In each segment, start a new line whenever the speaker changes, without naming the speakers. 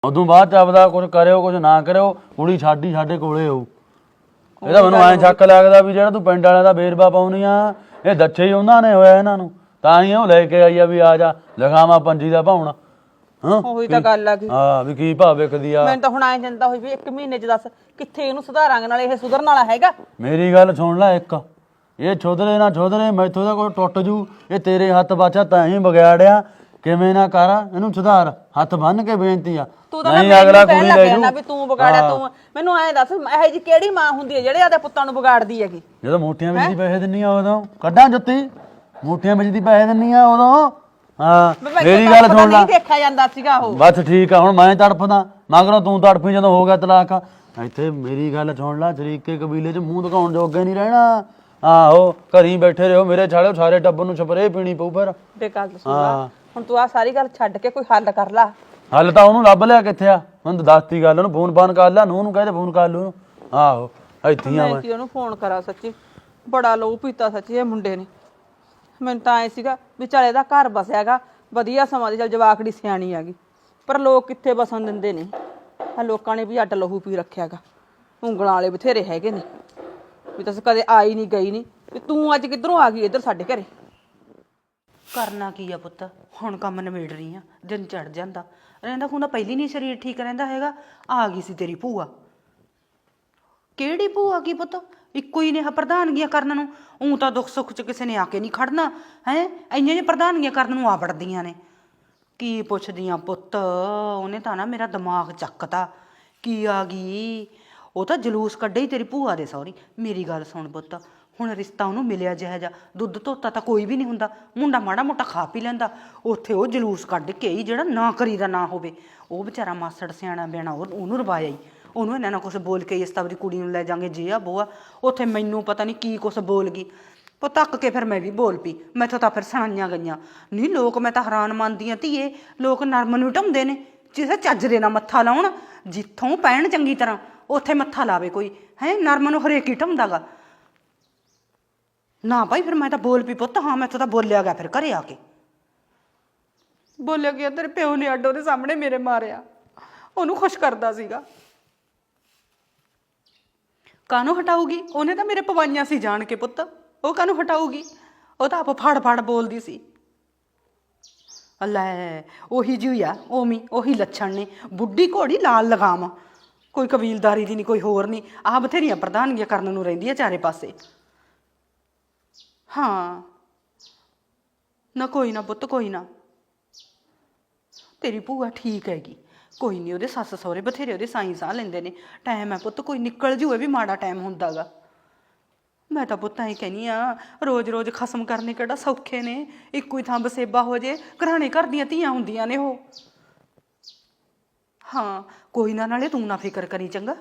ਉਦੋਂ ਬਾਅਦ ਚ ਆਪਦਾ ਕੁਝ ਕਰਿਓ ਕੁਝ ਨਾ ਕਰਿਓ, ਕੁੜੀ ਸਾਡੀ ਸਾਡੇ ਕੋਲੇ ਹੋਊ। ਇਹਦਾ ਮੈਨੂੰ ਐਂ ਸ਼ੱਕ ਲੱਗਦਾ ਵੀ ਜਿਹੜਾ ਤੂੰ ਪਿੰਡ ਵਾਲਿਆਂ ਦਾ ਵੇਰਵਾ ਪਾਉਣੀ ਆ, ਇਹ ਦੱਛੇ ਹੀ ਉਹਨਾਂ ਨੇ ਹੋਇਆ ਇਹਨਾਂ ਨੂੰ, ਤਾਂ ਹੀ ਉਹ ਲੈ ਕੇ ਆਈ ਆ ਵੀ ਆ ਜਾ ਲਿਖਾਵਾਂ ਪੰਜੀ ਦਾ ਭਾਉਣਾ।
ਉਹੀ ਤਾਂ ਗੱਲ ਆ ਗਈ।
ਹਾਂ ਵੀ ਕੀ ਭਾਅ ਵਿਕਦੀ ਆ।
ਮੈਨੂੰ ਤਾਂ ਹੁਣ ਐਂ ਚਿੰਤਾ ਹੋਈ ਵੀ 1 ਮਹੀਨੇ ਚ ਦੱਸ ਕਿੱਥੇ ਇਹਨੂੰ ਸੁਧਾਰਾਂਗੇ, ਨਾਲ ਇਹ ਸੁਧਰਨ ਵਾਲਾ ਹੈਗਾ।
ਮੇਰੀ ਗੱਲ ਸੁਣ ਲੈ ਇੱਕ, ਇਹ ਛੋਧਰੇ ਨਾ ਛੋਧਰੇ ਮੈਥੋਂ ਦਾ ਕੋਈ ਟੁੱਟ ਜੂ, ਇਹ ਤੇਰੇ ਹੱਥ ਬਾਚਾ ਤਾਂ ਹੀ ਵਿਗਾੜਿਆ, ਕਿਵੇਂ ਨਾ ਕਰ ਇਹਨੂੰ ਸੁਧਾਰ, ਹੱਥ ਬੰਨ ਕੇ ਬੇਨਤੀ ਆ।
ਤੂੰ ਤਾਂ ਮੈਂ ਅਗਲਾ ਕੁੜੀ ਲੈ ਜੂ ਵੀ ਤੂੰ ਵਿਗਾੜਿਆ ਤੂੰ। ਮੈਨੂੰ ਐਂ ਦੱਸ ਇਹੋ ਜੀ ਕਿਹੜੀ ਮਾਂ ਹੁੰਦੀ ਹੈ ਜਿਹੜੇ ਆਦੇ ਪੁੱਤਾਂ ਨੂੰ ਵਿਗਾੜਦੀ ਹੈਗੀ?
ਜਦੋਂ ਮੋਟੀਆਂ ਵਿੱਚ ਦੀ ਪੈਸੇ ਦਿੰਨੀ ਆ ਉਦੋਂ ਕੱਢਾਂ ਜੁੱਤੀ, ਮੋਟੀਆਂ ਵਿੱਚ ਦੀ ਪੈਸੇ ਦਿੰਨੀ ਆ ਉਦੋਂ। ਹਾਂ ਮੇਰੀ ਗੱਲ ਸੁਣ ਲੈ,
ਨਹੀਂ ਦੇਖਿਆ ਜਾਂਦਾ ਸੀਗਾ ਉਹ।
ਬਸ ਠੀਕ ਆ, ਹੁਣ ਮੈਂ ਤੜਫਦਾ ਮਗਰੋਂ ਤੂੰ ਤੜਫੀ ਜਦੋਂ ਹੋ ਗਿਆ ਤਲਾਕ। ਇੱਥੇ ਮੇਰੀ ਗੱਲ ਸੁਣ ਲੈ, ਸ਼ਰੀਕੇ ਕਬੀਲੇ 'ਚ ਮੂੰਹ ਦਿਖਾਉਣ ਜੋਗੇ ਨਹੀਂ ਰਹਿਣਾ। ਆਹੋ ਘਰੀ ਬੈਠੇ ਰਹੋ ਮੇਰੇ ਛਾਲਿਓ, ਸਾਰੇ ਟੱਬਰ ਨੂੰ ਸਪਰੇਅ ਪੀਣੀ ਪਊ ਫਿਰ।
ਤੇ ਗੱਲ ਸੁਣ ਲੈ ਹੁਣ, ਤੂੰ ਆ ਸਾਰੀ ਗੱਲ ਛੱਡ ਕੇ ਕੋਈ ਹੱਲ ਕਰ ਲਾ।
ਹੱਲ ਤਾਂ ਉਹਨੂੰ ਲੱਭ ਲਿਆ ਕਿੱਥੇ ਆ, ਮੈਨੂੰ ਦੱਸਤੀ ਗੱਲ, ਉਹਨੂੰ ਫੋਨ ਫਾਨ ਕਰ ਲਿਆ, ਨੂੰ ਕਹਿੰਦੇ ਫੋਨ ਕਰ ਲੂ। ਆਹੋ ਇੱਥੇ ਆ
ਮੈਂ ਕੀ ਉਹਨੂੰ ਫੋਨ ਕਰਾਂ, ਸੱਚੀ ਬੜਾ ਲਹੂ ਪੀਤਾ ਸੱਚੀ ਇਹ ਮੁੰਡੇ ਨੇ। ਮੈਨੂੰ ਤਾਂ ਐ ਸੀਗਾ ਵੀ ਚੱਲ ਇਹਦਾ ਘਰ ਬਸਿਆਗਾ ਵਧੀਆ ਸਮਾਂ ਦੀ, ਚੱਲ ਜਵਾਕੜੀ ਸਿਆਣੀ ਹੈਗੀ, ਪਰ ਲੋਕ ਕਿੱਥੇ ਬਸਣ ਦਿੰਦੇ ਨੇ। ਆ ਲੋਕਾਂ ਨੇ ਵੀ ਅੱਡ ਲਹੂ ਪੀ ਰੱਖਿਆਗਾ, ਉਂਗਲਾਂ ਵਾਲੇ ਬਥੇਰੇ ਹੈਗੇ ਨੇ ਵੀ ਤੁਸੀਂ ਕਦੇ ਆਈ ਨਹੀਂ ਗਈ ਨਹੀਂ, ਵੀ ਤੂੰ ਅੱਜ ਕਿੱਧਰੋਂ ਆ ਗਈ ਇੱਧਰ ਸਾਡੇ ਘਰੇ।
ਕਰਨਾ ਕੀ ਆ ਪੁੱਤ, ਹੁਣ ਕੰਮ ਨਿਬੇੜ ਰਹੀ ਆ, ਦਿਨ ਚੜ ਜਾਂਦਾ ਰਹਿੰਦਾ ਹੁੰਦਾ, ਪਹਿਲੀ ਨਹੀਂ ਸਰੀਰ ਠੀਕ ਰਹਿੰਦਾ ਹੈਗਾ। ਆ ਗਈ ਸੀ ਤੇਰੀ ਭੂਆ। ਕਿਹੜੀ ਭੂਆ ਕੀ ਪੁੱਤ, ਇੱਕੋ ਹੀ ਨੇ ਪ੍ਰਧਾਨਗੀਆਂ ਕਰਨ ਨੂੰ। ਊਂ ਤਾਂ ਦੁੱਖ ਸੁੱਖ 'ਚ ਕਿਸੇ ਨੇ ਆ ਕੇ ਨਹੀਂ ਖੜਨਾ ਹੈ, ਇੰਨੀਆਂ ਜਿਹੀਆਂ ਪ੍ਰਧਾਨਗੀਆਂ ਕਰਨ ਨੂੰ ਆ ਵੜਦੀਆਂ ਨੇ। ਕੀ ਪੁੱਛਦੀਆਂ ਪੁੱਤ, ਉਹਨੇ ਤਾਂ ਨਾ ਮੇਰਾ ਦਿਮਾਗ ਚੱਕਤਾ। ਕੀ ਆ ਗਈ, ਉਹ ਤਾਂ ਜਲੂਸ ਕੱਢੇ ਹੀ ਤੇਰੀ ਭੂਆ ਦੇ ਸਹੁਰੀ। ਮੇਰੀ ਗੱਲ ਸੁਣ ਪੁੱਤ, ਹੁਣ ਰਿਸ਼ਤਾ ਉਹਨੂੰ ਮਿਲਿਆ ਜਿਹਾ ਜਾ, ਦੁੱਧ ਧੋਤਾ ਤਾਂ ਕੋਈ ਵੀ ਨਹੀਂ ਹੁੰਦਾ, ਮੁੰਡਾ ਮਾੜਾ ਮੋਟਾ ਖਾ ਪੀ ਲੈਂਦਾ, ਉੱਥੇ ਉਹ ਜਲੂਸ ਕੱਢ ਕੇ ਹੀ ਜਿਹੜਾ ਨਾ ਕਰੀਦਾ ਨਾ ਹੋਵੇ। ਉਹ ਵਿਚਾਰਾ ਮਾਸੜ ਸਿਆਣਾ ਬਿਆਣਾ ਉਹਨੂੰ ਰਵਾਇਆ ਹੀ, ਉਹਨੂੰ ਇਹਨਾਂ ਨਾਲ ਕੁਛ ਬੋਲ ਕੇ ਇਸ ਤਵਰੀ ਕੁੜੀ ਨੂੰ ਲੈ ਜਾਵਾਂਗੇ ਜੇ ਆ ਬੋਆ, ਉੱਥੇ ਮੈਨੂੰ ਪਤਾ ਨਹੀਂ ਕੀ ਕੁਛ ਬੋਲ ਗਈ। ਤੱਕ ਕੇ ਫਿਰ ਮੈਂ ਵੀ ਬੋਲ ਪਈ, ਮੈਥੋਂ ਤਾਂ ਫਿਰ ਸੁਣਾਈਆਂ ਗਈਆਂ ਨਹੀਂ। ਲੋਕ ਮੈਂ ਤਾਂ ਹੈਰਾਨ ਮੰਨਦੀ ਹਾਂ ਧੀਏ, ਲੋਕ ਨਰਮ ਨੂੰ ਢਾਉਂਦੇ ਨੇ, ਜਿਸੇ ਚੱਜ ਦੇ ਨਾਲ ਮੱਥਾ ਲਾਉਣ, ਜਿੱਥੋਂ ਪੈਣ ਚੰਗੀ ਤਰ੍ਹਾਂ ਉੱਥੇ ਮੱਥਾ ਲਾਵੇ ਕੋਈ ਹੈ। ਨਰਮ ਨੂੰ ਹਰੇਕ ਹੀ ਢਾਉਂਦਾ ਗਾ ਨਾ ਭਾਈ। ਫਿਰ ਮੈਂ ਤਾਂ ਬੋਲ ਪਈ ਪੁੱਤ, ਹਾਂ ਮੈਥੋਂ ਤਾਂ ਬੋਲਿਆ ਗਿਆ। ਫਿਰ ਘਰੇ ਆ ਕੇ
ਬੋਲਿਆ ਗਿਆ, ਤੇਰੇ ਪਿਓ ਨੇ ਅੱਡ ਉਹਦੇ ਸਾਹਮਣੇ ਮੇਰੇ ਮਾਰਿਆ, ਉਹਨੂੰ ਖੁਸ਼ ਕਰਦਾ ਸੀਗਾ। ਕਾਹਨੂੰ ਹਟਾਊਗੀ, ਉਹਨੇ ਤਾਂ ਮੇਰੇ ਪਵਾਈਆਂ ਸੀ ਜਾਣ ਕੇ ਪੁੱਤ, ਉਹ ਕਾਹਨੂੰ ਹਟਾਊਗੀ? ਉਹ ਤਾਂ ਆਪ ਫੜ ਫੜ ਬੋਲਦੀ ਸੀ। ਲੈ ਉਹੀ ਜਿਹੀ ਆ, ਉਵੇਂ ਉਹੀ ਲੱਛਣ ਨੇ, ਬੁੱਢੀ ਘੋੜੀ ਲਾਲ ਲਗਾਮ, ਕੋਈ ਕਬੀਲਦਾਰੀ ਦੀ ਨਹੀਂ, ਕੋਈ ਹੋਰ ਨਹੀਂ। ਆਹ ਬਥੇਰੀਆਂ ਪ੍ਰਧਾਨਗੀਆਂ ਕਰਨ ਨੂੰ ਰਹਿੰਦੀਆਂ ਚਾਰੇ ਪਾਸੇ। ਹਾਂ ਨਾ ਕੋਈ ਨਾ ਪੁੱਤ, ਕੋਈ ਨਾ, ਤੇਰੀ ਭੂਆ ਠੀਕ ਹੈਗੀ, ਕੋਈ ਨਹੀਂ। ਉਹਦੇ ਸੱਸ ਸਹੁਰੇ ਬਥੇਰੇ ਉਹਦੇ ਸਾਈਂ ਸਾਹ ਲੈਂਦੇ ਨੇ। ਟਾਈਮ ਹੈ ਪੁੱਤ, ਕੋਈ ਨਿਕਲ ਜੂ, ਇਹ ਵੀ ਮਾੜਾ ਟਾਈਮ ਹੁੰਦਾ ਗਾ। ਮੈਂ ਤਾਂ ਪੁੱਤ ਐਂ ਕਹਿੰਦੀ ਆ, ਰੋਜ਼ ਰੋਜ਼ ਖਸਮ ਕਰਨੇ ਕਿਹੜਾ ਸੌਖੇ ਨੇ। ਇੱਕੋ ਹੀ ਥਾਂ ਬਸੇਬਾ ਹੋ ਜੇ, ਘਰਾਣੇ ਘਰ ਦੀਆਂ ਧੀਆਂ ਹੁੰਦੀਆਂ ਨੇ ਉਹ। ਹਾਂ ਕੋਈ ਨਾ, ਨਾਲੇ ਤੂੰ ਨਾ ਫਿਕਰ ਕਰੀ ਚੰਗਾ।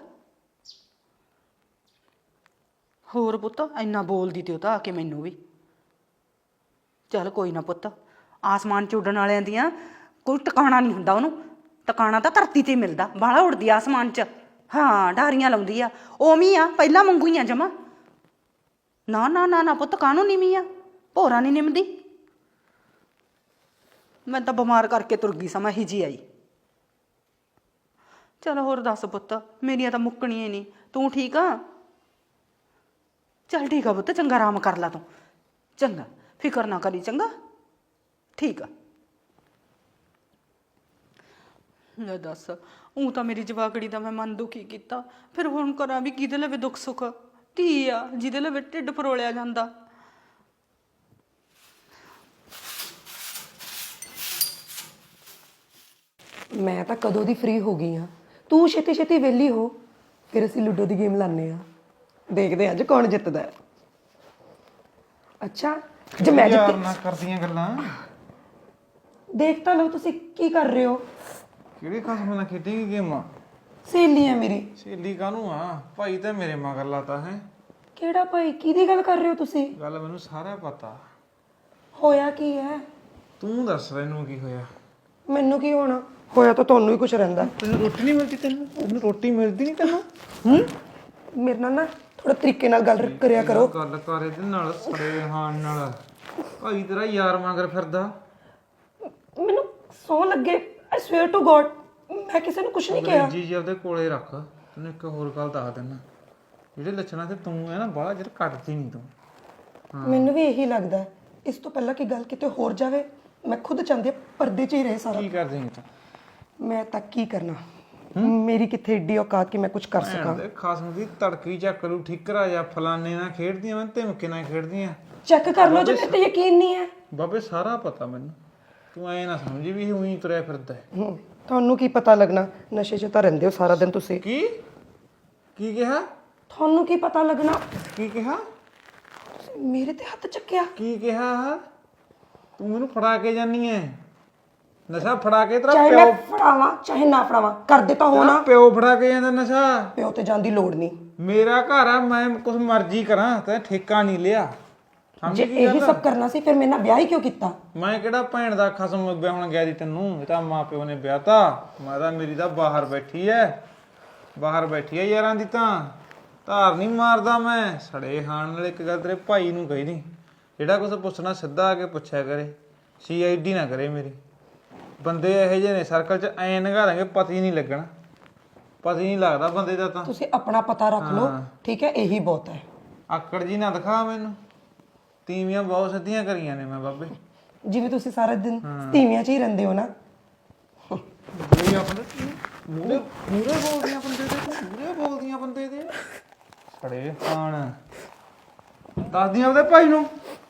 ਹੋਰ ਪੁੱਤ ਇੰਨਾ ਬੋਲਦੀ ਤੇ ਉਹ ਤਾਂ ਆ ਕੇ ਮੈਨੂੰ ਵੀ। ਚੱਲ ਕੋਈ ਨਾ ਪੁੱਤ, ਆਸਮਾਨ 'ਚ ਉੱਡਣ ਵਾਲਿਆਂ ਦੀਆਂ ਕੋਈ ਟਿਕਾਣਾ ਨਹੀਂ ਹੁੰਦਾ, ਉਹਨੂੰ ਟਿਕਾਣਾ ਤਾਂ ਧਰਤੀ 'ਤੇ ਮਿਲਦਾ। ਬਾਹਲਾ ਉੱਡਦੀ ਆਸਮਾਨ 'ਚ, ਹਾਂ ਡਾਰੀਆਂ ਲਾਉਂਦੀ ਆ, ਉਵੇਂ ਆ ਪਹਿਲਾਂ ਵਾਂਗੂ ਹੀ ਆ ਜਮਾ। ਨਾ ਨਾ ਨਾ ਨਾ ਪੁੱਤ, ਕਾਹਨੂੰ ਨੀਵੀਂ ਆ, ਭੋਰਾ ਨਹੀਂ ਨਿਮਦੀ। ਮੈਂ ਤਾਂ ਬਿਮਾਰ ਕਰਕੇ ਤੁਰ ਗਈ ਸਮਾਂ ਹੀ ਜੀ ਆਈ। ਚਲੋ ਹੋਰ ਦੱਸ ਪੁੱਤ, ਮੇਰੀਆਂ ਤਾਂ ਮੁੱਕਣੀਆਂ ਹੀ ਨਹੀਂ। ਤੂੰ ਠੀਕ ਆ? ਚੱਲ ਠੀਕ ਆ ਪੁੱਤ, ਚੰਗਾ ਆਰਾਮ ਕਰ ਲਾ ਤੂੰ, ਚੰਗਾ ਫਿਕਰ ਨਾ ਕਰੀ, ਚੰਗਾ ਠੀਕ ਆ। ਲੈ ਦੱਸ, ਊਂ ਤਾਂ ਮੇਰੀ ਜਵਾਕੜੀ ਦਾ ਮੈਂ ਮਨ ਦੁਖੀ ਕੀਤਾ, ਫਿਰ ਹੁਣ ਕਰਾਂ ਵੀ ਕਿਹਦੇ ਲਵੇ ਦੁੱਖ ਸੁੱਖ? ਧੀ ਆ ਜਿਹਦੇ ਲਵੇ ਢਿੱਡ ਫਰੋਲਿਆ ਜਾਂਦਾ।
ਮੈਂ ਤਾਂ ਕਦੋਂ ਦੀ ਫ੍ਰੀ ਹੋ ਗਈ ਹਾਂ, ਤੂੰ ਛੇਤੀ ਛੇਤੀ ਵਿਹਲੀ ਹੋ, ਫਿਰ ਅਸੀਂ ਲੂਡੋ ਦੀ ਗੇਮ ਲਾਉਂਦੇ ਹਾਂ, ਦੇਖਦੇ ਹਾਂ ਅੱਜ ਕੌਣ ਜਿੱਤਦਾ ਹੈ। ਅੱਛਾ ਜੇ ਮੈਂ ਜਿੱਤੀ
ਨਾ ਕਰਦੀਆਂ ਗੱਲਾਂ,
ਦੇਖ ਤਾਂ ਲਓ ਤੁਸੀਂ ਕੀ ਕਰ ਰਹੇ ਹੋ।
ਕਿਹੜੇ ਖਸਮ ਨਾਲ ਖੇਡੇਂਗੀ ਗੇਮਾਂ?
ਸਹੇਲੀ ਹੈ ਮੇਰੀ।
ਸਹੇਲੀ ਕਾਹਨੂੰ ਆ, ਭਾਈ ਤਾਂ ਮੇਰੇ ਮਗਰ ਲਾਤਾ ਹੈ।
ਕਿਹੜਾ ਭਾਈ, ਕਿਹਦੀ ਗੱਲ ਕਰ ਰਹੇ ਹੋ ਤੁਸੀਂ?
ਗੱਲ ਮੈਨੂੰ ਸਾਰਾ ਪਤਾ।
ਹੋਇਆ ਕੀ ਹੈ?
ਤੂੰ ਦੱਸ ਮੈਨੂੰ ਕੀ ਹੋਇਆ।
ਮੈਨੂੰ ਕੀ ਹੋਣਾ, ਹੋਇਆ ਤਾਂ ਤੁਹਾਨੂੰ ਹੀ ਕੁਝ ਰਹਿੰਦਾ।
ਤੈਨੂੰ ਰੋਟੀ ਨਹੀਂ ਮਿਲਦੀ? ਤੈਨੂੰ ਰੋਟੀ ਮਿਲਦੀ ਨਹੀਂ ਤੈਨੂੰ?
ਮੇਰੇ ਨਾਲ ਨਾ ਥੋੜਾ ਤਰੀਕੇ ਨਾਲ ਗੱਲ ਕਰਿਆ ਕਰੋ।
ਗੱਲ ਕਰ ਇਹਦੇ ਨਾਲ, ਸੜੇ ਹਾਨ ਨਾਲ। ਭਾਈ ਤੇਰਾ ਯਾਰ ਮਗਰ ਫਿਰਦਾ।
ਮੈਨੂੰ ਸੌ ਲੱਗੇ, ਆਈ ਸਵੇਅਰ ਟੂ ਗੋਡ ਮੈਂ ਕਿਸੇ ਨੂੰ ਕੁਝ ਨਹੀਂ ਕਿਹਾ।
ਜੀ ਉਹਦੇ ਕੋਲੇ ਰੱਖ। ਤੈਨੂੰ ਇੱਕ ਹੋਰ ਗੱਲ ਦੱਸ ਦਿੰਦਾ, ਜਿਹੜੇ ਲੱਛਣਾਂ ਤੇ ਤੂੰ ਹੈ ਨਾ ਬਾਹਲਾ ਚਿਰ ਕੱਟਦੀ ਨਹੀਂ ਤੂੰ।
ਮੈਨੂੰ ਵੀ ਇਹੀ ਲੱਗਦਾ ਹੈ। ਇਸ ਤੋਂ ਪਹਿਲਾਂ ਕਿ ਗੱਲ ਕਿਤੇ ਹੋਰ ਜਾਵੇ, ਮੈਂ ਖੁਦ ਚਾਹੁੰਦੀ ਹਾਂ ਪਰਦੇ 'ਚ ਹੀ ਰਹੇ ਸਾਰਾ।
ਕੀ ਕਰ ਦੇਂਗੀ ਤੂੰ?
ਮੈਂ ਤਾਂ ਕੀ ਕਰਨਾ, ਮੇਰੀ ਕਿੱਥੇ ਏਡੀ ਔਕਾਤ ਕਿ ਮੈਂ ਕੁਝ ਕਰ ਸਕਾਂ।
ਤੇ ਖਸਮ ਦੀ ਤੜਕੀ ਚੱਕ ਲੂ ਠਿਕਰਾ ਜਾਂ ਫਲਾਨੇ ਨਾਲ ਖੇਡਦੀਆਂ ਮੈਂ ਧਮਕੇ ਨਾਲ ਖੇਡਦੀਆਂ।
ਚੈੱਕ ਕਰ ਲਓ ਜੇ ਮੇਰੇ ਤੇ ਯਕੀਨ ਨਹੀਂ ਹੈ।
ਬਾਬੇ ਸਾਰਾ ਪਤਾ ਮੈਨੂੰ, ਤੂੰ ਐ ਨਾ ਸਮਝੀ ਵੀ ਉਹੀ ਤੁਰਿਆ ਫਿਰਦਾ ਹੈ।
ਤੁਹਾਨੂੰ ਕੀ ਪਤਾ ਲੱਗਣਾ, ਨਸ਼ੇ 'ਚ ਤਾਂ ਰਹਿੰਦੇ ਹੋ ਸਾਰਾ ਦਿਨ ਤੁਸੀਂ।
ਕੀ ਕੀ ਕਿਹਾ?
ਤੁਹਾਨੂੰ ਕੀ ਪਤਾ ਲੱਗਣਾ?
ਕੀ ਕਿਹਾ?
ਮੇਰੇ ਤੇ ਹੱਥ ਚੱਕਿਆ।
ਕੀ ਕਿਹਾ? ਤੂੰ ਮੈਨੂੰ ਫੜਾ ਕੇ ਜਾਨੀ ਐ? ਨਸ਼ਾ ਫੜਾ ਕੇ ਤੇਰਾ
ਚਾਹੇ
ਪਿਓ,
ਮੈਂ ਫੜਾਵਾਂ ਚਾਹੇ ਨਾ ਫੜਾਵਾਂ, ਕਰਦੇ ਤਾਂ ਹੋ ਨਾ।
ਪਿਓ ਫੜਾ ਕੇ ਜਾਂਦਾ ਨਸ਼ਾ।
ਪਿਓ ਤੇ ਜਾਣ ਦੀ ਲੋੜ ਨਹੀਂ।
ਮੇਰਾ ਘਰ ਆ, ਮੈਂ ਕੁਛ ਮਰਜ਼ੀ ਕਰਾਂ, ਤੇ ਠੇਕਾ ਨਹੀਂ ਲਿਆ।
ਜੇ ਇਹੀ ਸਭ ਕਰਨਾ ਸੀ ਫਿਰ ਮੇਰੇ ਨਾਲ ਵਿਆਹ ਹੀ ਕਿਉਂ ਕੀਤਾ?
ਮੈਂ ਕਿਹੜਾ ਭੈਣ ਦਾ ਖਸਮ ਵਿਆਹਣ ਗਿਆ ਦੀ ਤੈਨੂੰ? ਇਹ ਤਾਂ ਮਾਂ ਪਿਓ ਨੇ ਵਿਆਹਤਾ। ਮੈਂ ਤਾਂ ਮੇਰੀ ਤਾਂ ਬਾਹਰ ਬੈਠੀ ਐ, ਬਾਹਰ ਬੈਠੀ ਐ ਯਾਰਾਂ ਦੀ। ਤਾਂ ਧਾਰ ਨਹੀਂ ਮਾਰਦਾ ਮੈਂ। ਸੜੇ ਖਾਣ ਨਾਲ ਇੱਕ ਗੱਲ ਤੇਰੇ ਭਾਈ ਨੂੰ ਕਹੀ ਦੀ, ਜਿਹੜਾ ਕੁਛ ਪੁੱਛਣਾ ਸਿੱਧਾ ਆ ਕੇ ਪੁੱਛਿਆ ਕਰੇ, CID ਨਾ ਕਰੇ ਮੇਰੀ। ਬੰਦੇ ਇਹੋ ਜਿਹੇ ਨੇ ਸਰਕਲ 'ਚ, ਐਂ ਨਗਾ ਦਾਂਗੇ ਪਤਾ ਹੀ ਨਹੀਂ ਲੱਗਣਾ, ਪਤਾ ਹੀ ਨਹੀਂ ਲੱਗਦਾ ਬੰਦੇ ਦਾ। ਤਾਂ
ਤੁਸੀਂ ਆਪਣਾ ਪਤਾ ਰੱਖ ਲਓ, ਠੀਕ ਹੈ, ਇਹੀ ਬਹੁਤ ਹੈ।
ਆਕੜ ਜੀ ਨਾ ਦਿਖਾ ਮੈਨੂੰ। ਤੀਵੀਆਂ ਬਹੁਤ ਸਿੱਧੀਆਂ ਕਰੀਆਂ ਨੇ ਮੈਂ ਬਾਬੇ।
ਜਿਵੇਂ ਤੁਸੀਂ ਸਾਰਾ ਦਿਨ ਧੀਵੀਆਂ 'ਚ ਹੀ ਰਹਿੰਦੇ ਹੋ ਨਾ।
ਮੂਰੇ ਆਪਣੇ ਮੂਰੇ ਮੂਰੇ ਬੋਲਦੀਆਂ ਬੰਦੇ ਦੇ, ਮੂਰੇ ਬੋਲਦੀਆਂ ਬੰਦੇ ਦੇ। ਸੜੇ ਖਾਣ ਦੱਸਦੀਆਂ ਉਹਦੇ ਭਾਈ ਨੂੰ।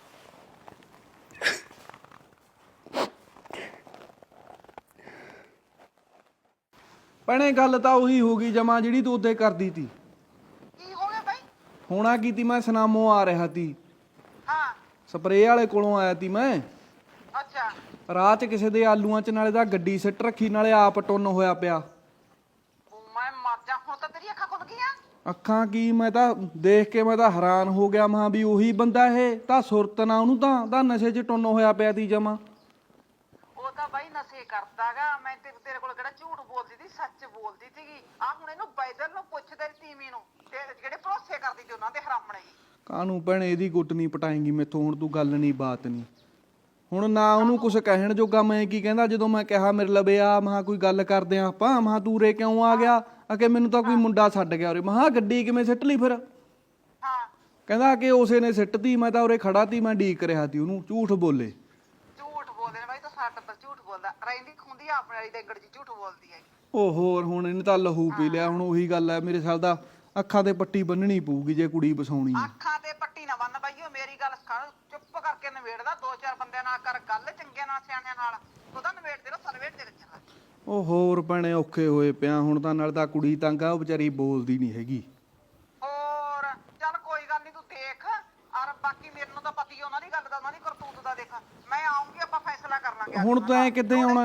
ਭੈਣੇ ਗੱਲ ਤਾਂ ਉਹੀ ਹੋ ਗਈ ਜਮਾ ਜਿਹੜੀ ਤੂੰ ਉੱਤੇ ਕਰਦੀ ਤੀ।
ਕੀ ਹੋ ਗਿਆ ਬਾਈ?
ਹੋਣਾ ਕੀ ਤੀ, ਮੈਂ ਸੁਨਾਮੋਂ ਆ ਰਿਹਾ ਤੀ,
ਹਾਂ।
ਸਪਰੇਅ ਵਾਲੇ ਕੋਲੋਂ ਆਇਆ ਤੀ ਮੈਂ।
ਅੱਛਾ।
ਰਾਹ 'ਚ ਕਿਸੇ ਦੇ ਆਲੂਆਂ 'ਚ ਨਾਲੇ ਦਾ ਗੱਡੀ ਸਿੱਟ ਰੱਖੀ, ਨਾਲੇ ਆਪ ਟੁੰਨ ਹੋਇਆ ਪਿਆ।
ਮੈਂ ਮਰ ਜਾ, ਹੁਣ ਤਾਂ ਤੇਰੀ ਅੱਖਾਂ ਖੁੱਲ ਗਈਆਂ।
ਅੱਖਾਂ ਕੀ, ਮੈਂ ਤਾਂ ਦੇਖ ਕੇ ਮੈਂ ਤਾਂ ਹੈਰਾਨ ਹੋ ਗਿਆ। ਮਹਾਂ ਵੀ ਉਹੀ ਬੰਦਾ ਇਹ ਤਾਂ ਸੁਰਤ ਨਾ ਉਹਨੂੰ ਤਾਂ ਨਸ਼ੇ 'ਚ ਟੁੰਨ ਹੋਇਆ ਪਿਆ ਤੀ ਜਮਾ।
ਉਹ ਤਾਂ ਬਾਈ ਨਸ਼ੇ ਕਰਦਾਗਾ। ਮੈਂ ਤੇਰੇ ਕੋਲ ਕਿਹੜਾ ਝੂਠ ਬੋਲਦੀ ਸੀ, ਸੱਚ ਬੋਲਦੀ ਸੀਗੀ। ਆ ਹੁਣ ਇਹਨੂੰ ਬੈਦਲ ਨੂੰ ਪੁੱਛ ਤੇਰੀ ਤੀਵੀਂ ਨੂੰ, ਤੇ ਜਿਹੜੇ ਭਰੋਸੇ ਕਰਦੀ ਸੀ ਉਹਨਾਂ ਦੇ ਹਰਾਮਣੇ।
ਕਾਹਨੂੰ ਭੈਣੇ ਇਹਦੀ ਗੁੱਟ ਨਹੀਂ ਪਟਾਏਂਗੀ ਮੈਥੋਂ। ਹੁਣ ਤੂੰ ਗੱਲ ਨਹੀਂ ਬਾਤ ਨਹੀਂ, ਹੁਣ ਨਾ ਉਹਨੂੰ ਕੁਛ ਕਹਿਣ ਜੋਗਾ ਮੈਂ ਕੀ ਕਹਿੰਦਾ। ਜਦੋਂ ਮੈਂ ਕਿਹਾ ਮੇਰੇ ਲਵੇ ਆ, ਮਹਾਂ ਕੋਈ ਗੱਲ ਕਰਦੇ ਆ ਆਪਾਂ, ਮਹਾਂ ਤੂੰ ਉਰੇ ਕਿਉਂ ਆ ਗਿਆ? ਅਕੇ ਮੈਨੂੰ ਤਾਂ ਕੋਈ ਮੁੰਡਾ ਛੱਡ ਗਿਆ ਉਰੇ। ਮਹਾਂ ਗੱਡੀ ਕਿਵੇਂ ਸਿੱਟ ਲਈ ਫਿਰ?
ਹਾਂ।
ਕਹਿੰਦਾ ਕਿ ਉਸੇ ਨੇ ਸਿੱਟਤੀ, ਮੈਂ ਤਾਂ ਉਰੇ ਖੜਾ ਤੀ, ਮੈਂ ਡੀਕ ਰਿਹਾ ਤੀ ਉਹਨੂੰ। ਝੂਠ ਬੋਲੇ,
ਝੂਠ ਬੋਲਦੇ ਨੇ ਬਾਈ, ਤਾਂ ਸਾਡੇ ਪਰ ਝੂਠ ਬੋਲਦਾ। ਰਹਿੰਦੀ ਖੁੰਦੀ ਆਪਣੇ ਵਾਲੀ ਦੇ ਗੜ ਜੀ ਝੂਠ ਬੋਲਦੀ ਹੈ।
ਉਹ ਹੋਰ ਹੁਣ ਇਹਨੇ ਤਾਂ ਲਹੂ ਪੀ ਲਿਆ। ਹੁਣ ਉਹੀ ਗੱਲ ਹੈ, ਮੇਰੇ ਸਾਲ ਦਾ ਅੱਖਾਂ ਤੇ ਪੱਟੀ ਬੰਨਣੀ ਪਊਗੀ ਜੇ ਕੁੜੀ ਵਸਾਉਣੀ ਹੈ।
ਅੱਖਾਂ ਤੇ ਪੱਟੀ ਨਾ ਬੰਨ ਬਾਈਓ, ਮੇਰੀ ਗੱਲ ਸੁਣ। ਚੁੱਪ ਕਰਕੇ ਨਵੇੜਦਾ, ਦੋ ਚਾਰ ਬੰਦਿਆਂ ਨਾਲ ਕਰ ਗੱਲ, ਚੰਗੇ ਨਾਲ ਸਿਆਣਿਆਂ ਨਾਲ। ਉਹਦਾ ਨਵੇੜ ਦੇ ਰੋ, ਨਵੇੜ ਦੇ ਰੱਖਣਾ।
ਉਹ ਹੋਰ ਭੈਣੇ ਔਖੇ ਹੋਏ ਪਿਆ ਹੁਣ ਤਾਂ। ਨਾਲ ਤਾਂ ਕੁੜੀ ਤੰਗ ਆ, ਉਹ ਵਿਚਾਰੀ ਬੋਲਦੀ ਨਹੀਂ ਹੈਗੀ।
ਹੋਰ ਚੱਲ ਕੋਈ ਗੱਲ ਨਹੀਂ, ਤੂੰ ਦੇਖ। ਔਰ ਬਾਕੀ ਮੈਨੂੰ ਤਾਂ ਪਤੀ ਉਹਨਾਂ ਦੀ ਗੱਲ ਦਾ, ਉਹਨਾਂ ਦੀ ਕਰਤੂਤ ਦਾ। ਦੇਖ ਮੈਂ ਆਉਂਗੀ, ਆਪਾਂ ਫੈਸਲਾ ਕਰ ਲਾਂਗੇ।
ਹੁਣ ਤੈਂ ਕਿੱਦਾਂ ਆਉਣਾ?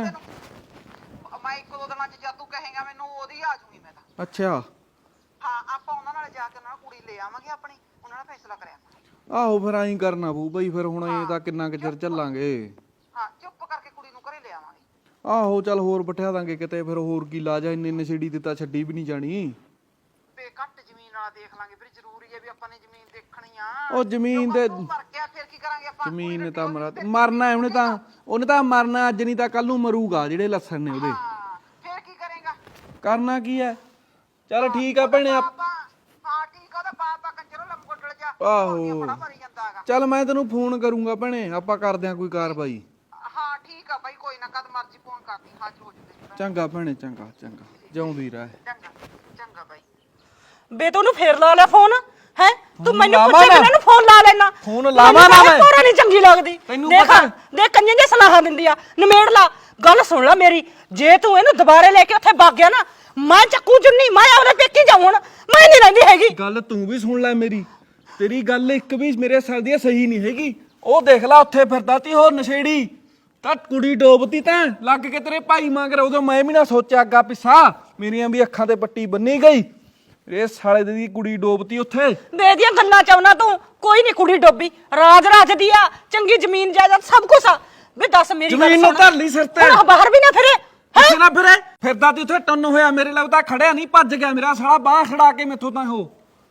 ਮੈਂ ਇੱਕ ਦੋ ਦਿਨਾਂ ਚ ਜਦ ਤੂੰ ਕਹੇਗਾ ਮੈਨੂੰ, ਉਹਦੀ ਆ ਜੂਗੀ ਮੈਂ ਤਾਂ।
ਅੱਛਾ
ਹਾਂ, ਆਪਾਂ ਉਹਨਾਂ ਨਾਲ ਜਾ ਕੇ ਉਹਨਾਂ ਨਾਲ ਕੁੜੀ ਲੈ ਆਵਾਂਗੇ ਆਪਣੀ, ਉਹਨਾਂ ਨਾਲ ਫੈਸਲਾ ਕਰਿਆ।
ਆਹੋ ਫਿਰ ਐਂ ਕਰਨਾ ਪਊ ਬਈ। ਫਿਰ ਹੁਣ ਇਹ ਤਾਂ ਕਿੰਨਾ ਕੁ ਚਿਰ ਚੱਲਾਂਗੇ।
ਹਾਂ, ਚੁੱਪ ਕਰਕੇ ਕੁੜੀ ਨੂੰ ਘਰੇ ਲੈ ਆਵਾਂਗੇ।
ਆਹੋ ਚੱਲ ਹੋਰ ਬਿਠਾ ਦਾਂਗੇ ਕਿਤੇ। ਫਿਰ ਹੋਰ ਕੀ ਲਾਜ ਆ, ਇੰਨੇ ਨਸ਼ੇੜੀ ਤੇ ਤਾਂ ਛੱਡੀ ਵੀ ਨਹੀਂ ਜਾਣੀ।
ਬੇ ਘੱਟ ਜ਼ਮੀਨ ਵਾਲਾ ਦੇਖ ਲਾਂਗੇ। ਫਿਰ ਜ਼ਰੂਰੀ ਹੈ ਵੀ ਆਪਾਂ ਨੇ ਜ਼ਮੀਨ ਦੇਖਣੀ ਆ।
ਉਹ ਜ਼ਮੀਨ ਤੇ
ਮਰ ਗਿਆ ਫਿਰ ਕੀ ਕਰਾਂਗੇ ਆਪਾਂ?
ਜ਼ਮੀਨ ਨੇ ਤਾਂ ਮਰਨਾ ਉਹਨੇ ਤਾਂ ਮਰਨਾ ਅੱਜ ਨਹੀਂ ਤਾਂ ਕੱਲ ਨੂੰ ਮਰੂਗਾ, ਜਿਹੜੇ ਲੱਛਣ ਨੇ ਉਹਦੇ।
ਹਾਂ, ਫਿਰ ਕੀ ਕਰੇਗਾ?
ਕਰਨਾ ਕੀ ਹੈ? ਚੱਲ ਠੀਕ ਆ ਭੈਣੇ।
ਹਾਂ ਠੀਕ ਆ, ਉਹਦਾ ਬਾਪ ਆ ਕੰਜਰੋ ਲੰਗੋਟਲ ਜਾ।
ਆਹੋ
ਬੜਾ ਮਰੀ ਜਾਂਦਾ ਹੈਗਾ।
ਚੱਲ ਮੈਂ ਤੈਨੂੰ ਫੋਨ ਕਰੂੰਗਾ ਭੈਣੇ, ਆਪਾਂ ਕਰਦੇ ਆਂ ਕੋਈ ਕਾਰਵਾਈ।
ਹਾਂ ਠੀਕ ਆ ਬਾਈ, ਕੋਈ ਨਾ, ਕਦ ਮਰਜੀ ਫੋਨ ਕਰਦੀ, ਹਾਜ਼ਰ ਹੋ ਜੂਗੇ।
ਚੰਗਾ ਭੈਣੇ, ਚੰਗਾ ਚੰਗਾ, ਜਿਉਂਦੀ ਰਹਿ।
ਚੰਗਾ ਚੰਗਾ ਬਾਈ।
ਬੇ ਤੂੰ ਉਹਨੂੰ ਫੇਰ ਲਾ ਲੈ ਫੋਨ ਹੈ। ਤੂੰ ਮੈਨੂੰ
ਲਾਵਾਂ
ਪੁੱਛੇ
ਨਾ।
ਬਿਨਾਂ ਨੂੰ ਫੋਨ ਲਾ ਲੈਣਾ।
ਫੋਨ ਲਾਵਾਂ ਨਾ ਮੈਂ।
ਤੋਰਾ ਨਹੀਂ ਚੰਗੀ ਲੱਗਦੀ।
ਤੈਨੂੰ
ਦੇਖ
ਪਤਾ।
ਦੇਖ ਕੰਨਾਂ ਦੀ ਸਲਾਹਾਂ ਦਿੰਦੀ ਆ। ਨਿਮੇੜ ਲਾ ਗੱਲ, ਸੁਣ ਲੈ ਮੇਰੀ। ਜੇ ਤੂੰ ਇਹਨੂੰ ਦੁਬਾਰੇ ਲੈ ਕੇ ਉੱਥੇ ਵਗ ਗਿਆ ਨਾ, ਮੈਂ ਚੱਕੂ ਚੁੰਨੀ, ਮੈਂ ਆਪਣੇ ਪੇਕੀ ਜਾਉਂ। ਹੁਣ ਮੈਂ ਨਹੀਂ ਰਹਿੰਦੀ ਹੈਗੀ।
ਗੱਲ ਤੂੰ ਵੀ ਸੁਣ ਲੈ ਮੇਰੀ। ਤੇਰੀ ਗੱਲ ਇੱਕ ਵੀ ਮੇਰੇ ਸਿਰ ਦੀ ਸਹੀ ਨਹੀਂ ਹੈਗੀ। ਉਹ ਦੇਖ ਲੈ ਉੱਥੇ ਫਿਰਦਾ ਤੀ ਉਹ ਨਸ਼ੇੜੀ, ਤਾਂ ਕੁੜੀ ਡੋਬਤੀ ਤਾਂ ਲੱਗ ਕੇ ਤੇਰੇ ਭਾਈ ਮੰਗਰ। ਉਦੋਂ ਮੈਂ ਵੀ ਨਾ ਸੋਚਿਆ ਅੱਗਾ ਪਿੱਛਾ, ਮੇਰੀਆਂ ਵੀ ਅੱਖਾਂ ਤੇ ਪੱਟੀ ਬੰਨੀ ਗਈ। ਇਹ ਸਾਲੇ ਦੀ ਕੁੜੀ ਡੋਬਤੀ ਉੱਥੇ।
ਬੇ ਦੀਆਂ ਗੱਲਾਂ ਚਾਉਣਾ ਤੂੰ। ਕੋਈ ਨਹੀਂ ਕੁੜੀ ਡੋਬੀ, ਰਾਜ ਦੀ ਆ, ਚੰਗੀ ਜ਼ਮੀਨ ਜਾਇਦਾਦ ਸਭ ਕੁਝ ਆ। ਵੇ ਦੱਸ ਮੇਰੀ ਗੱਲ
ਜ਼ਮੀਨ ਨੂੰ ਧਰ ਲਈ ਸਿਰ ਤੇ।
ਹੁਣ ਬਾਹਰ ਵੀ ਨਾ ਫਿਰੇ।
ਕਿਸੇ ਨਾ ਫਿਰੇ, ਫਿਰਦਾ ਤੇ ਉੱਥੇ ਟੰਨ ਹੋਇਆ। ਮੇਰੇ ਲਈ ਤਾਂ ਖੜਿਆ ਨਹੀਂ, ਭੱਜ ਗਿਆ ਮੇਰਾ ਸਾਲਾ। ਬਾਹ ਖੜਾ ਕੇ ਮੈਥੋਂ ਤਾਂ ਉਹ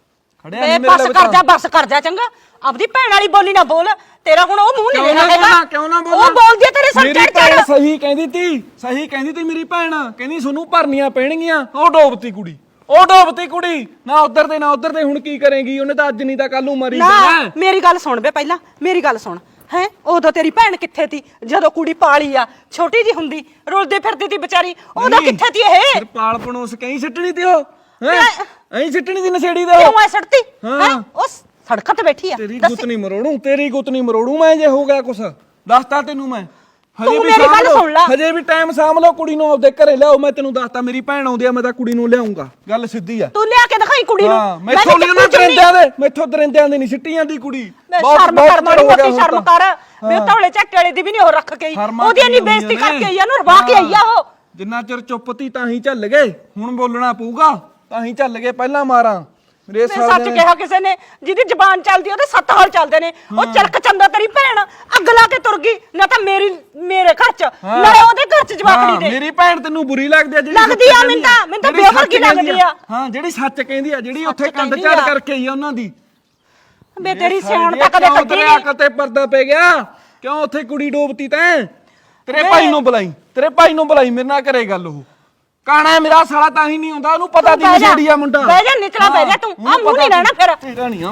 ਖੜਿਆ
ਵੇ
ਨਹੀਂ
ਬਸ
ਮੇਰੇ
ਕਰ ਜਾ ਬਸ ਕਰ ਜਾ ਚੰਗਾ ਆਪਦੀ ਭੈਣ ਵਾਲੀ ਬੋਲੀ ਨਾ ਬੋਲ ਤੇਰਾ ਹੁਣ ਉਹ ਮੂੰਹ ਨਹੀਂ ਲੈਣਾ ਹੈਗਾ
ਕਿਉਂ ਨਾ ਬੋਲਾਂ
ਉਹ ਬੋਲਦੀ ਆ ਤੇਰੇ ਸਿਰ
ਮੇਰੀ
ਚੜ
ਭੈਣ
ਚੜ
ਸਹੀ ਕਹਿੰਦੀ ਤੀ ਮੇਰੀ ਭੈਣ ਕਹਿੰਦੀ ਤੁਹਾਨੂੰ ਭਰਨੀਆਂ ਪੈਣਗੀਆਂ ਉਹ ਡੋਬਤੀ ਕੁੜੀ ਨਾ ਉਧਰ ਤੇ ਹੁਣ ਕੀ ਕਰੇਗੀ ਉਹਨੇ ਤਾਂ ਅੱਜ ਨਹੀਂ ਤਾਂ ਕੱਲ ਨੂੰ ਮਰੀ
ਨਾ
ਜਾਣਾ
ਮੇਰੀ ਗੱਲ ਸੁਣ ਬੇ ਪਹਿਲਾਂ ਮੇਰੀ ਗੱਲ ਸੁਣ ਹੈ ਉਦੋਂ ਤੇਰੀ ਭੈਣ ਕਿੱਥੇ ਤੀ ਜਦੋਂ ਕੁੜੀ ਪਾਲੀ ਆ ਛੋਟੀ ਜੀ ਹੁੰਦੀ ਰੁਲਦੀ ਫਿਰਦੀ ਤੀ ਵਿਚਾਰੀ ਉਦੋਂ ਕਿੱਥੇ ਤੀ ਇਹ
ਫਿਰ ਪਾਲ ਪਣੋਸ ਕਹੀਂ ਸਿੱਟਣੀ ਤੀ ਉਹ ਹੈ ਐਂ ਸਿੱਟਣੀ ਤੀ ਨਸ਼ੇੜੀ ਦੇ
ਕਿਉਂ ਐ ਸੜਤੀ
ਹਾਂ।
ਹੈ ਉਹ ਸੜਕਾਂ ਤੇ ਬੈਠੀ ਆ
ਤੇਰੀ ਗੁੱਤ ਨਹੀਂ ਮਰੋੜੂ ਮੈਂ ਜੇ ਹੋ ਗਿਆ ਕੁਛ ਦੱਸਤਾ ਤੈਨੂੰ ਮੈਂ
ਤੂੰ ਮੇਰੀ ਗੱਲ ਸੁਣ ਲਾ।
ਹਜੇ ਵੀ ਟਾਈਮ ਸਾਂਭ ਲਓ ਕੁੜੀ ਨੂੰ ਆਪਦੇ ਘਰੇ ਲਿਆਓ ਮੈਂ ਤੈਨੂੰ ਦੱਸਤਾ ਮੇਰੀ ਭੈਣ ਆਉਂਦੀ ਆ ਮੈਂ ਤਾਂ ਕੁੜੀ ਨੂੰ ਲਿਆਉਂਗਾ ਗੱਲ ਸਿੱਧੀ ਆ
ਤੂੰ ਲਿਆ ਕੇ ਦਿਖਾਈ ਕੁੜੀ ਨੂੰ
ਹਾਂ ਮੈਥੋਂ ਨਹੀਂ ਉਹਨਾਂ ਦਰਿੰਦਿਆਂ ਦੇ ਨਹੀਂ ਸਿੱਟੀ ਜਾਂਦੀ ਕੁੜੀ
ਸ਼ਰਮ ਕਰ ਮਾੜੀ ਮੋਟੀ ਸ਼ਰਮ ਕਰ ਵੇ ਤੌਲੇ ਝੱਟੇ ਵਾਲੇ ਦੀ ਵੀ ਨਹੀਂ ਉਹ ਰੱਖ ਕੇ ਆਈ
ਸ਼ਰਮਾਂ
ਉਹਦੀ ਇੰਨੀ
ਕਿਉਂ
ਬੇਇੱਜ਼ਤੀ
ਹੁੰਦੀਆਂ
ਕਰਕੇ ਆਈ ਆ ਉਹਨੂੰ ਰਵਾ ਕੇ ਆਈ ਆ ਉਹ
ਜਿੰਨਾ ਚਿਰ ਚੁੱਪ ਤੀ ਤਾਂ ਹੀ ਚੱਲ ਗਏ ਹੁਣ ਬੋਲਣਾ ਪਊਗਾ ਤਾਂ ਹੀ ਚੱਲ ਗਏ ਪਹਿਲਾਂ ਮਾਰਾਂ ਮੇਰੇ
ਮੈਂ ਸੱਚ ਕਿਹਾ ਕਿਸੇ ਨੇ ਜਿਹਦੀ ਜ਼ਬਾਨ ਚੱਲਦੀ ਉਹਦੇ ਸੱਤ ਹਾਲ ਚੱਲਦੇ ਨੇ ਉਹ ਚਲਕ ਚੰਦਾ ਤੇਰੀ ਭੈਣ ਅੱਗ ਲਾ ਕੇ ਤੁਰ ਗਈ ਨਾ ਤਾਂ ਮੇਰੇ ਘਰ ਚ ਨਾਲੇ ਉਹਦੇ ਘਰ ਚ ਜਵਾਕੜੀ ਦੇ
ਮੇਰੀ ਭੈਣ ਤੈਨੂੰ ਬੁਰੀ ਲੱਗਦੀ ਆ ਜਿਹੜੀ
ਲੱਗਦੀ ਆ ਮੈਨੂੰ ਤਾਂ ਬੇਵਰਗੀ ਲੱਗਦੀ ਆ
ਹਾਂ ਜਿਹੜੀ ਸੱਚ ਕਹਿੰਦੀ ਆ ਜਿਹੜੀ ਉੱਥੇ ਕੰਧ ਝਾੜ ਕਰਕੇ ਆਈ ਆ ਉਹਨਾਂ ਦੀ
ਬੇ ਤੇਰੀ ਸਿਆਣ ਤਾਂ ਕਦੇ ਕੱਢੀ
ਤੇਰੇ
ਨਹੀਂ
ਅਕਲ ਤੇ ਪਰਦਾ ਪੈ ਗਿਆ ਕਿਉਂ ਉੱਥੇ ਕੁੜੀ ਡੋਬਤੀ ਤੈਂ ਤੇਰੇ ਭਾਈ ਨੂੰ ਬੁਲਾਈ ਮੇਰੇ ਨਾਲ ਕਰੇ ਗੱਲ ਉਹ ਕਾਣਾ ਮੇਰਾ ਸਾਲਾ ਤਾਂ ਹੀ ਨਹੀਂ ਆਉਂਦਾ ਉਹਨੂੰ ਪਤਾ ਦੀ ਨਸ਼ੇੜੀ ਆ ਮੁੰਡਾ
ਬਹਿ ਜਾ ਨਿਚਲਾ ਬਹਿ ਜਾ ਤੂੰ ਆ ਮੂੰਹ ਨਹੀਂ ਰਹਿਣਾ ਫਿਰ
ਤੇਰਾ ਨਹੀਂ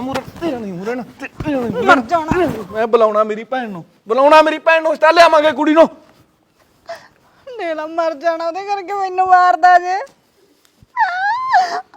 ਮਰ ਜਾਣਾ ਮੈਂ ਬੁਲਾਉਣਾ ਮੇਰੀ ਭੈਣ ਨੂੰ ਤਾਂ ਲਿਆਵਾਂਗੇ ਕੁੜੀ ਨੂੰ
ਨੇਲਾ ਮਰ ਜਾਣਾ ਉਹਦੇ ਕਰਕੇ ਮੈਨੂੰ ਮਾਰਦਾ ਜੇ